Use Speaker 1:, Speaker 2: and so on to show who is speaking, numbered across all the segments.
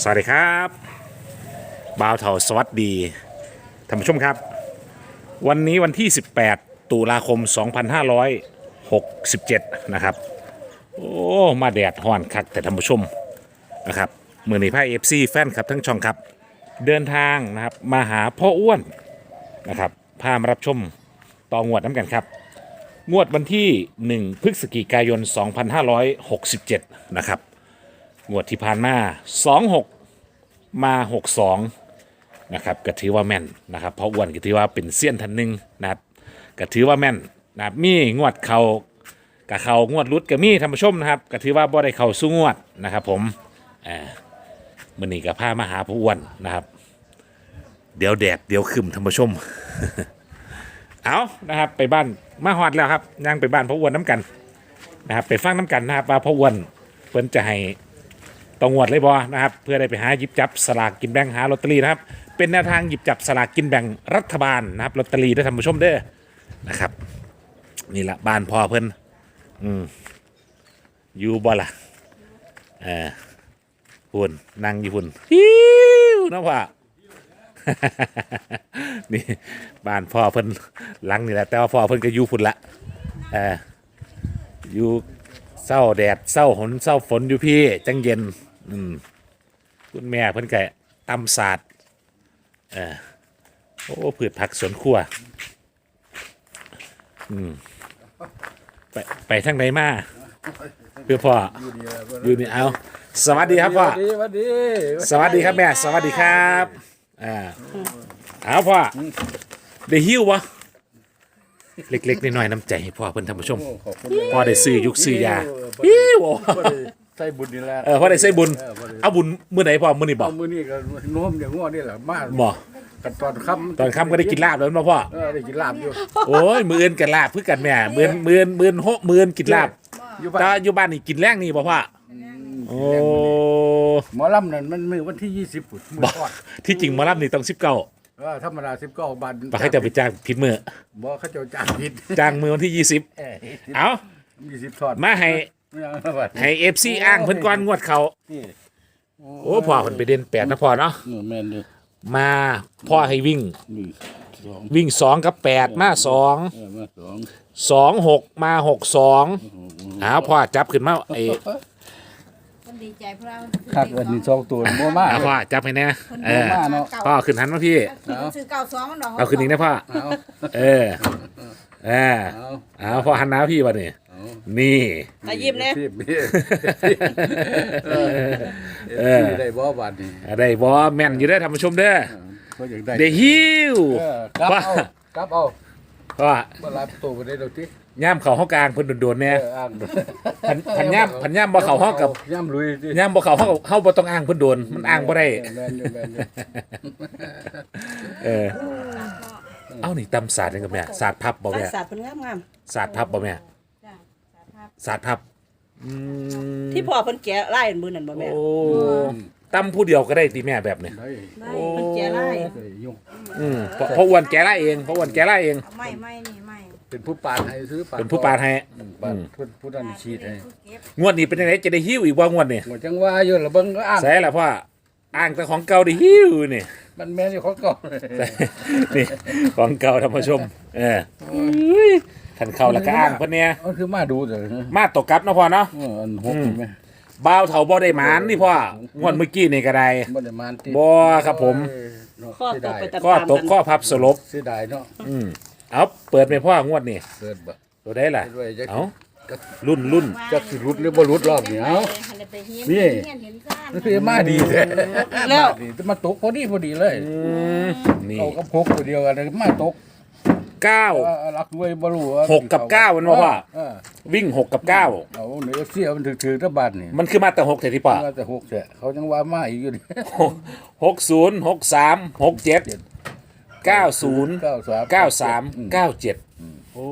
Speaker 1: สวัสดีครับบ่าวเถาสวัสดีท่านผู้ชมครับวันนี้วันที่ 18 ตุลาคม 2567 นะครับโอ้มาแดดฮ้อนคักแต่ท่านผู้ชมนะครับมือนี้พายFC แฟนครับทั้งช่องครับเดินทางนะครับมาหาพ่ออ้วนนะครับพามารับชมต่องวดน้ำกันครับงวดวันที่ 1 พฤศจิกายน 2567 นะครับงวดที่ผ่านมา 26 มา 62 นะครับก็ถือว่าแม่นนะครับเพราะอ้วนก็ถือว่าเป็นเซียนท่านหนึ่งนะครับก็ถือว่าแม่นนะครับมีงวดเขากับเขางวดรุดกับมีท่านผู้ชมนะครับก็ถือว่าบ่ได้เขาสู้งวดนะครับผมมื้อนี้ก็พามาหาผู้อ้วนนะครับเดี๋ยวแดดเดี๋ยวขึ้นท่านผู้ชม เอานะครับไปบ้านมาฮอดแล้วครับย่างไปบ้านพ่ออ้วนน้ำกันนะครับไปฟังน้ำกันนะครับว่าพ่ออ้วนเพิ่นจะให้ต้องงวดเลยบอนะครับเพื่อได้ไปหาหยิบจับสลากกินแบ่งหาลอตเตอรี่นะครับเป็นแนวทางหยิบจับสลากกินแบ่งรัฐบาลนะครับลอตเตอรี่ได้ท่านผู้ชมเด้อนะครับนี่แหละบ้านพ่อเพิ่นอยู่บ่ล่ะพุ่นนั่งอยู่พุ่นฮิวนะพ่อ นี่บ้านพ่อเพิ่นหลังนี่แหละแต่ว่าพ่อเพิ่นก็อยู่พุ่นละอยู่เศร้าแดดเศร้าฝนเศร้าฝนอยู่พี่จังเย็นคุณแม่เพิ่นก็ตำศาสตร์โอ้พืชผักสวนครัวไปทางไหนมาเพื่อพ่ออยู่นี่เอาสวัสดีครับพ่อ
Speaker 2: สวัสดี
Speaker 1: สวัสดีครับแม่สวัสดีครับเอาพ่อได้หิ้ววะเล็กๆน้อยๆน้ำใจให้พ่อเพิ่นท่านผู้ชมพ่อได้ซื้อยุกซื้อยาหิ้ว
Speaker 2: ใส่บุญนี่แหละ
Speaker 1: พ่อได้ใส่บุญเอาบุญมื้อไหนพ่อมื้อนี้บ่
Speaker 2: มื้อนี้ก็โน้มอย่างง้อนี่แหละมา
Speaker 1: บ่
Speaker 2: กันตอนค่
Speaker 1: ำก็ได้กินลาบแล้วมาพ่อ
Speaker 2: ได้กินลาบอยู่
Speaker 1: โอ้ยมื้ออื่นกันลาบเพื่อกันแม่มื้อ6มื้อกินลาบแต่อยู่บ้านนี่กินแรงนี่บ่พ่อโอ้
Speaker 2: หมอลำนั่นมันมื้อวันที่20พุ่นมื้อทอด
Speaker 1: ที่จริงหมอลำนี่ต้อง19
Speaker 2: ธรรมดา19บาท
Speaker 1: บ่ให้เจ้าไปจ้างผิดมื้อ
Speaker 2: บ่เขาเจ้าจ้างผิด
Speaker 1: จ้างมื้อวันที่20เอ้า
Speaker 2: 20ทอด
Speaker 1: มาให้ FC อ้างเพิ่นก่อนงวดเขาโอ้พ่อเพิ่นไปเด่น8นะพ่อเนาะ
Speaker 2: แม่นเด้อ
Speaker 1: มาพ่อให้วิ่ง2กับ8มา2 6มา62อ้าวพ่อจับขึ้นมา
Speaker 3: ดีใจเพราะเรา
Speaker 2: คักอันนี้2ตัวบ่มา
Speaker 1: พ่อจับให้แน่พ่อขึ้นหันมาพี่
Speaker 3: ซื้อ92มันดอก
Speaker 1: เอาขึ้นอีกนะพ่อเอาพ่อหันหน้าพี่วะนี่นี่
Speaker 3: ตายิ้มเนี่ย
Speaker 2: ได้บ่บาดนี่
Speaker 1: ได้บ่แม่นอยู่ได้ท่านผู้ชมเด้อได้หิว
Speaker 2: กลับเอา
Speaker 1: พ่อ
Speaker 2: บ่รับตัวบ่ได้ดอกติ
Speaker 1: ย่ามเขาห้องกลางเพิ่นโดนๆเนี่ยพันย่ามบ่เขาห้องกับ
Speaker 2: ย่ามลุย
Speaker 1: ย่ามบ่เขาห้องเฮาบ่ต้องอ้างเพิ่นโดนมันอ้างบ่ได้เอานี่ตำศาสตร์จังกับแม่ศาสตร์พับบ่แม่
Speaker 3: ศาสตร์เพิ่นงาม
Speaker 1: ศาสตร์พับบ่แม่ศาสตร์พับ
Speaker 3: ที่พ่อเพิ่นแกะไล่มื้อนั้นบ่แม่
Speaker 1: โอ้ตำผู้เดียวก็ได้ติแม่แบบนี้
Speaker 3: ได้เพิ่นแกะไล่
Speaker 1: เพราะอ้วนแกะไล่เองเพราะอ้วนแกะไล่เอง
Speaker 3: ไม่นี่ไม่
Speaker 2: เป็นผู้ปาดให้ซื้อปาด
Speaker 1: เป็นผู้ปาดให้
Speaker 2: ผู้นั้นชีดให้
Speaker 1: งวดนี้เป็นจังได๋จะได้หิ้วอีกบ่งวดนี้
Speaker 2: จังว่าอยู่ล่ะเบิ่งอ้าง
Speaker 1: ใส่ล่ะพ่ออ้างแต่ของเก่าได้หิ้วนี่
Speaker 2: มันแม่นอยู่ของเก่า
Speaker 1: นี่ของเก่าท่านผู้ชมท่านเข้าแล้วก็อ้างเพิ่นเนี่ย
Speaker 2: มันคือมาดูเด้อ
Speaker 1: มาตกกลับเนาะพ่อเนาะ
Speaker 2: อัน6มั้ย
Speaker 1: บ่าวเฒ่าบ่ได้หมานนี่พ่องวดเมื่อกี้นี่ก็ได้
Speaker 2: บ่ได้หมานติ
Speaker 1: บ่ครับผม
Speaker 3: ข้อตก
Speaker 1: ข้อพับสลบ
Speaker 2: เสียดายเนาะ
Speaker 1: เอาเปิดไปพ่องวดนี่
Speaker 2: เปิดบ่
Speaker 1: ตัวได้ล่ะเอารุ่น
Speaker 2: จักสิรุดหรือบ่รุดรอบนี้เอานี่มันคือมาดีแท้
Speaker 3: แล้ว
Speaker 2: มาตกพอดีเลย
Speaker 1: นี่
Speaker 2: เอากับ6ตัวเดียวกันมาตก
Speaker 1: 9
Speaker 2: รักด้วยบ่รู้
Speaker 1: 6กับ9มันบ่พ่อวิ่ง6กับ9
Speaker 2: เอาเนื้อเสียมันถือๆตะบัดนี่
Speaker 1: มันคือมาแต่6แท้ที่พ่อ
Speaker 2: มาแต่6แท้เขายังว่ามาอีกอยู่นี่
Speaker 1: 60 63 67 90 93 97โอ้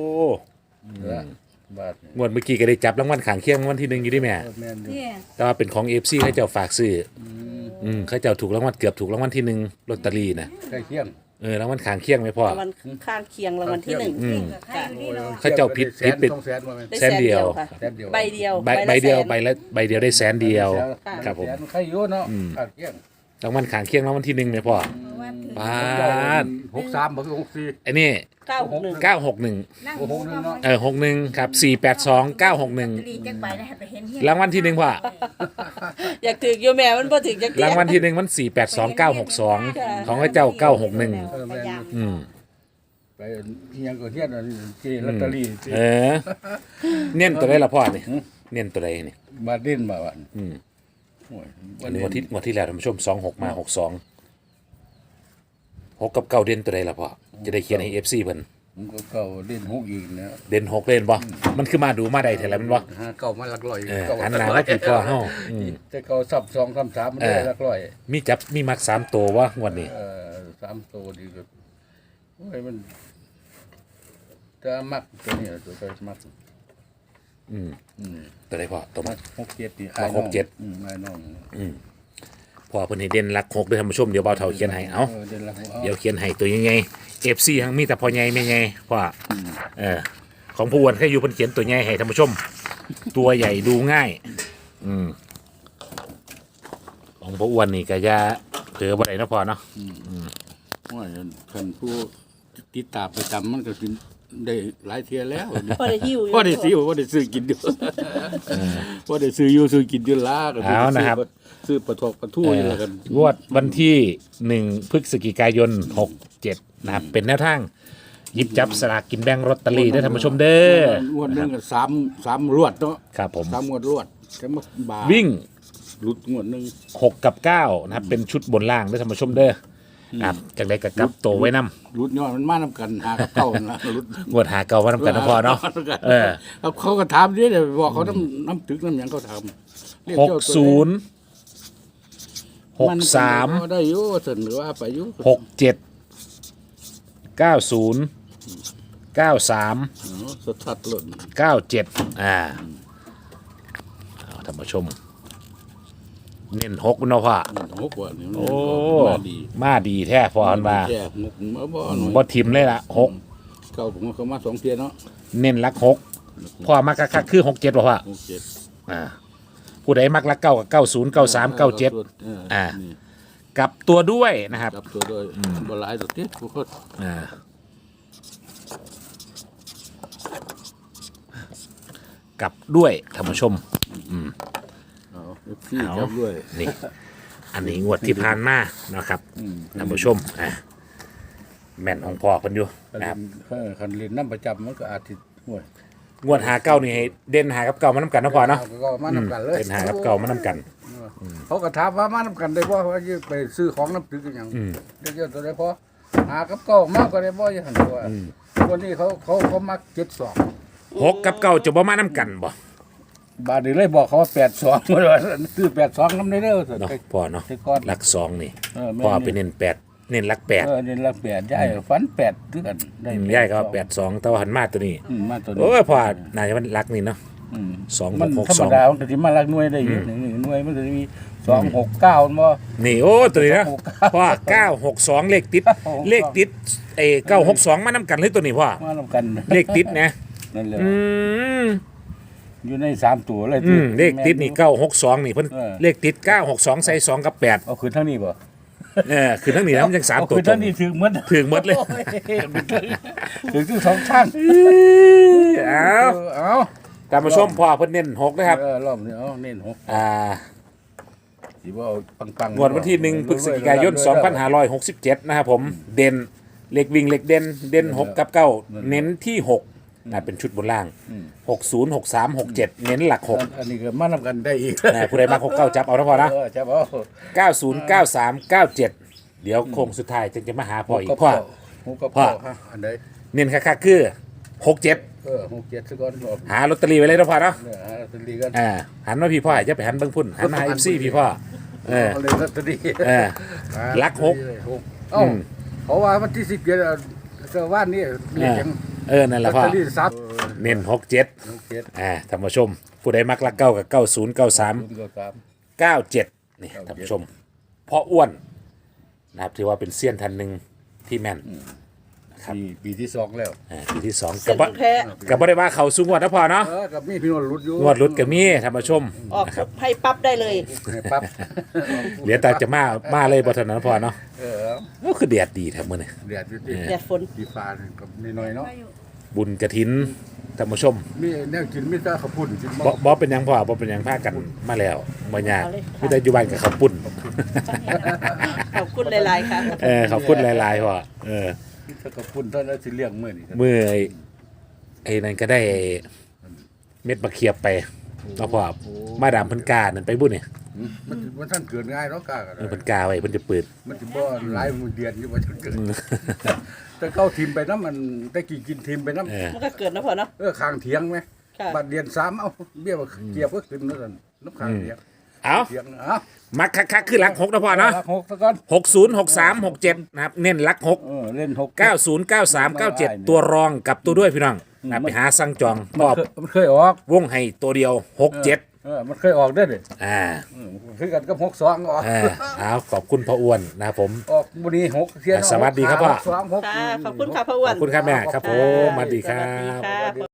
Speaker 1: งวดเมื่อกี้ก็ได้จับรางวัลข้างเคียงรางวัลที่1อยู่ดิแม่แต่ว่าเป็นของ FC เขาเจ้าฝากซื้อเขาเจ้าถูกรางวัลเกือบถูกรางวัลที่1ลอตเตอรี่นะ
Speaker 2: ใกล้เคียง
Speaker 1: รางวัลข้างเคียงไหมพ่อ
Speaker 3: รางวัลข้างเคียงรางวัลที่หนึ่ง
Speaker 1: เขาเจ้าผิด
Speaker 2: แสน
Speaker 1: ผิด
Speaker 2: 200,000ว่าแม่น
Speaker 3: ได้
Speaker 1: แสนเดียว
Speaker 3: ค่ะ
Speaker 2: แสนเดียว
Speaker 3: ใบเดียว
Speaker 1: ใบเดียว
Speaker 3: ละแสน
Speaker 1: ใบเดียวได้แสนเดียว ครับผม
Speaker 2: แสนใครอยู่เนาะข้างเคียง
Speaker 1: รางวัลข้างเคียงรางวัลที่หนึ่งไหมพ่อปาด
Speaker 2: 63บ่คือ64
Speaker 1: ไอ้นี่
Speaker 3: 961
Speaker 1: 961
Speaker 2: โอ้โหนึงเนาะ
Speaker 1: 61ครับ482 961รางวัลที่หนึ่งพ่อ
Speaker 3: อยากถืออยู่แม่มันบ่ถือจักเที่ย
Speaker 1: รางวัลที่หนึ่งมัน482 962ของพระเจ้า961
Speaker 2: เออแม่น
Speaker 1: อืม
Speaker 2: ไปอิหยังก็เฮียนอันที่ลอตเตอรี่ที่
Speaker 1: เน้นตัวใดล่ะพ่อนี่เน้นตัวใดนี่
Speaker 2: มาเด่นมาวัน
Speaker 1: อืม
Speaker 2: โอ้ย
Speaker 1: อันนี้งวดที่แล้วท่านผู้ชม26มา62 6กับ9เด่นตัวใดล่ะพ่อจะได้เขียนให้ FC เพิ่น
Speaker 2: ผมก็เก่าเด่น6อีกนะ
Speaker 1: เด่น6เล่นบ่มันคือมาดูมาได้แท้แล้วมันบ่
Speaker 2: หาเก่ามาหลักร้อย
Speaker 1: หันหน้ามาผิดพ่อเฮาอืม
Speaker 2: แต่เก่าซับ2 3 3มันได้หลักร้อย
Speaker 1: มีมัก3ตัววะงวดนี้
Speaker 2: 3ตัวดีก็โอ้ยมันจะมักตัวนี้ตัวไปมัก
Speaker 1: อืม
Speaker 2: อืม
Speaker 1: ตัวใดพ่อตัว
Speaker 2: มั
Speaker 1: มั
Speaker 2: ก
Speaker 1: ก
Speaker 2: 6 7นี่
Speaker 1: มัก6 7
Speaker 2: ไอ้น้อง
Speaker 1: พ่อเพิ่นให้เด่นหลัก6ด้วยท่านผู้ชมเดี๋ยวเบาเท่าเขียนให้เอา
Speaker 2: เด่นละหัว
Speaker 1: เดี๋ยวเขียนให้ตัวยังไง FC ทั้งมีแต่พ่อใหญ่แม่ใหญ่พ่อของผู้อ้วนแค่อยู่เพิ่นเขียนตัวใหญ่ให้ท่านผู้ชม ตัวใหญ่ดูง่าย ของผู้อ้วนนี่ก็จะเผลอบ่ได้เนาะพ่อเนาะ
Speaker 2: ว่าคันผู้ติดตามประจำมันก็สิได้หลายเที่ยแล้ว
Speaker 3: พอได้หิวอยู่
Speaker 2: ว่าได้ซื้อว่าได้ซื้อกินอยู่ว่าได้ซื้ออยู่ซื้อกินอยู่ล่าก็
Speaker 1: เอานะครับ
Speaker 2: ซื้อปลาทอกปลาทูอยู่แล้วกัน
Speaker 1: งวดวันที่1พฤศจิกายน67นะครับเป็นแนวทางหยิบจับสลากกินแบ่งลอตเตอรี่ได้ท่านผู้ชมเด้อง
Speaker 2: วดหนึงก็3รวดเนาะ
Speaker 1: ครับผม
Speaker 2: 3งวดรวดแต่มาบา
Speaker 1: วิ่ง
Speaker 2: หลุดงวดหนึง
Speaker 1: 6 กับ9นะครับเป็นชุดบนล่างได้ท่านผู้ชมเด้อครับจังไดก็กลับโตวไว้นำ
Speaker 2: หลุดยอดมันมานํกันหากับเก่านะหลุด
Speaker 1: งวดหาเก่าว่านำกันนะพ่อเนาะเออ
Speaker 2: เขาก็ถามดิเดี๋ยวบอกเขาน้ำถึกน้ำหยังเขาถามเรียกเจ้าตัวใด
Speaker 1: 60 63
Speaker 2: ได้อยู่เสนอว่าไปอยู่
Speaker 1: 67 90 93
Speaker 2: สดทัดหล่น
Speaker 1: 97เอาท่านผู้ชม เน้น6เนาะพ่อ
Speaker 2: หกว่านี่มัน
Speaker 1: โอ้
Speaker 2: มาดี
Speaker 1: มาดีแท้พ่อเพิ่นว่า
Speaker 2: แก่หกมาบ่หน่อย
Speaker 1: บ่ทิมเลยล่ะ6
Speaker 2: เก่าผมก็มา2เที่ยเนาะ
Speaker 1: เน้นหลัก6พ่อมักคักๆคือ67บ่พ่อ
Speaker 2: 6 7
Speaker 1: ผู้ใดมักหลัก9กับ90 93 97
Speaker 2: นี่
Speaker 1: กลับตัวด้วยนะครับ
Speaker 2: จับตัวโดยบ่หลายตัวติผู้คน
Speaker 1: กลับด้วยท่านผู้ชม
Speaker 2: เอาพี่จับด้วย
Speaker 1: นี่ อันนี้งวดที่ผ่านมานะครับท่านผู้ชมแม่นของพ่อเพิ่นอยู่นะครับ
Speaker 2: คันเรียนน้ำประจำมันก็อาจสิห่วย
Speaker 1: งวดหาเก้านี่ให้เด่นหากับเก่ามานำกันเนาะพ่อเนาะ
Speaker 2: ก็มานำกันเลย
Speaker 1: เด่นหากับเก่ามานำกัน
Speaker 2: เขาก็ถามว่ามานำกันได้บ่ว่าจะไปซื้อของน้ำตึกกันหยังเดี๋ยวตัวใดพอหากับเก่ามากก็ได้บ่อย่างนั้นตัววันนี้เขามัก72
Speaker 1: 6กับเก่าจะบ่มานำกันบ่
Speaker 2: บาดนี้เลยบอกเขาว่า82ว่าซื้อ82นำได้เด้อเถอะ
Speaker 1: เนาะพ่อเนาะ
Speaker 2: แต่ก่อน
Speaker 1: หลัก2นี่
Speaker 2: แม่
Speaker 1: พ่อไปเน้น8เน้นหลัก8
Speaker 2: นี่ละ8ย้ายฝัน8คือกันได้
Speaker 1: ย่ายก็ว่า82แต่ว่าหันมาตัวนี้
Speaker 2: มาตัวนี้
Speaker 1: โอ้ยพ่อน่าจะมันหลักนี่เนาะ
Speaker 2: มันธรรม
Speaker 1: 2662
Speaker 2: ดามันก็สิมาลักหน่วยได้อยู่นี่หน่วยมันก็สิมี269มันบ่
Speaker 1: นี่โอ้ตัวนี้นะ
Speaker 2: 969
Speaker 1: พ่อ962เลขติดเลขติด962มานำกันเลยตัวนี้พ่อ
Speaker 2: มานำกัน
Speaker 1: เลขติดนะ
Speaker 2: นั่นแหละ
Speaker 1: อืม
Speaker 2: อยู่ใน3ตัวเลย
Speaker 1: เลขติดนี่962นี่เพิ่นเลขติด962ใส่2กับ8
Speaker 2: เอาคืนทั้งนี้บ่
Speaker 1: คือทั้งนี้นะมันยัง3
Speaker 2: เอา
Speaker 1: ตัว
Speaker 2: คืน
Speaker 1: ตร
Speaker 2: ทั้ง
Speaker 1: ง
Speaker 2: นี้ถึงหมด
Speaker 1: ถึงหมดเลย
Speaker 2: ถึงทั้งสองข้าง
Speaker 1: เอา
Speaker 2: เอา
Speaker 1: ตามมาชมพ่อเพิ่นเน้น6นะครับ
Speaker 2: รอบนี้เอาเน้น6
Speaker 1: อ่า
Speaker 2: สิบ่เอาปังๆ
Speaker 1: งวดวันที่1พฤศจิกายน2567นะครับผมเด่นเลขวิ่งเลขเด่น6กับ9เน้นที่6นะเป็นชุดบนล่าง60 63 67เน้นหลัก6
Speaker 2: อันนี้ก็มานำกันได้อีก
Speaker 1: ผู้ใดมา69จับเอานะพ่อนะ
Speaker 2: จะเอา
Speaker 1: 90 93 97 เดี๋ยวโค้งสุดท้ายจึงจะมาหาพ่ออีกพ่อ
Speaker 2: หกกับ
Speaker 1: พ่อ
Speaker 2: ฮะอันใด
Speaker 1: เน้นคักๆคือ67
Speaker 2: 6 7ซะก่อนรอบ
Speaker 1: หาลอตเตอรี่ไว้เลยนะพ่อเนาะ
Speaker 2: เนี่ยหาลอตเตอรี่กัน
Speaker 1: หันมาพี่พ่ออย่าไปหันเบิ่งพุ่นหันมาหา FC พี่พ่อ
Speaker 2: เอาเลยลอตเตอรี่
Speaker 1: ลักหก
Speaker 2: เอ้าเพราะว่าวันที่17เสาร์วันนี้เรียกยัง
Speaker 1: นั่นแห
Speaker 2: ลอ
Speaker 1: ละ
Speaker 2: ต
Speaker 1: พ่อ
Speaker 2: เตอรี่ซับ
Speaker 1: เน้น67
Speaker 2: 6 7
Speaker 1: ท่านผู้ชม ผู้ใดมักลักเก้ากับ90 93
Speaker 2: 0 3
Speaker 1: 97นี่ท่านผู้ชมพ่ออ้วนนะครับถือว่าเป็นเซียนท่านหนึ่งที่แม่นครับ
Speaker 2: ปีที่สองแล้ว
Speaker 1: ปีที่สอง
Speaker 3: เส้นของแท้
Speaker 1: กับบ่ได้ว่าเขาสูงกว่านะพ่อเนาะ
Speaker 2: กับมีพี่นวลรุดอยู่
Speaker 1: งวดรุดกับมีท่านผู้ชม
Speaker 3: ออก
Speaker 1: นะครับ
Speaker 3: ให้ปั๊บได้เลย
Speaker 2: ให้ปั๊บ
Speaker 1: เหลือแต่จะมาเลยบ่เท่านั้นพ่อเนาะ ก็คือแดดดีแท้มื้อนี้
Speaker 2: เดือดอยู่ที่
Speaker 3: แดดฝน
Speaker 2: ดีฟ้ากับนิดหน่อยเนาะ
Speaker 1: บุญกฐินท่านผู้ชม
Speaker 2: มีแนวกินมีแต่ข้าวปุ้นกิน
Speaker 1: บ่เป็นหยังพ่อบ่เป็นหยังพากันมาแล้วบ่ยาก
Speaker 3: เอาเลยค่ะ
Speaker 1: มีแต่อยู่บ้านกับข้าวปุ้น
Speaker 3: ขอบคุณหลายๆค่ะ
Speaker 1: ขอบคุณหลายๆพ่อ
Speaker 2: มีแต่ข้าวปุ้นเท่านั้นสิเลี้ยงมื้อนี่
Speaker 1: มื้อไอ้นั่นก็ได้เม็ดมะเขียบไปเนาะพ่อมาดามเพิ่นกานั่นไปบุญนี่
Speaker 2: มันท่านเกิดง่ายเนาะกากัน
Speaker 1: เพิ่นกาไว้เพิ่นจะเปิด
Speaker 2: มันสิบ่หลายมื้อเดือนอยู่ว่าท่านเกิดแต่เก้าทีมไปน้ำมันได้กี่กินทีมไปน้ำ
Speaker 3: มันก็เกิดนะพ่อเนาะ
Speaker 2: ข้างเถียงไหม
Speaker 3: ค่ะ
Speaker 2: บัดเดือน3เอาเบี้ยว่าเกียบก็ขึ้นนั่นนะน้ำข้างเถียง
Speaker 1: เอา
Speaker 2: เถียงเอ้า
Speaker 1: มักคักๆคือหลัก6นะพ่อเนาะ
Speaker 2: หกซะก่อน
Speaker 1: 60 63 67นะครับเน้นหลัก6
Speaker 2: เล่น6
Speaker 1: 90 93 97 ตัวรองกับตัวด้วยพี่น้องนะไปหาสั่งจองตอบ
Speaker 2: มันเคยออก
Speaker 1: วงให้ตัวเดียว 67
Speaker 2: มันเคยออกได้เลย คือกันกับ62ออก
Speaker 1: เอาขอบคุณพ่ออ้วนนะครับผม
Speaker 2: ออกบุรี6เที่ย
Speaker 1: สวัสดีครับพ่อ
Speaker 2: 6 2 6
Speaker 3: ค่ะ ขอบคุณค่ะพ่ออ้ว
Speaker 1: ข
Speaker 3: น
Speaker 1: อบคุณครับแม่ครับผมสวัสดีครั
Speaker 3: สวัสดี
Speaker 1: บ
Speaker 3: ค่ะ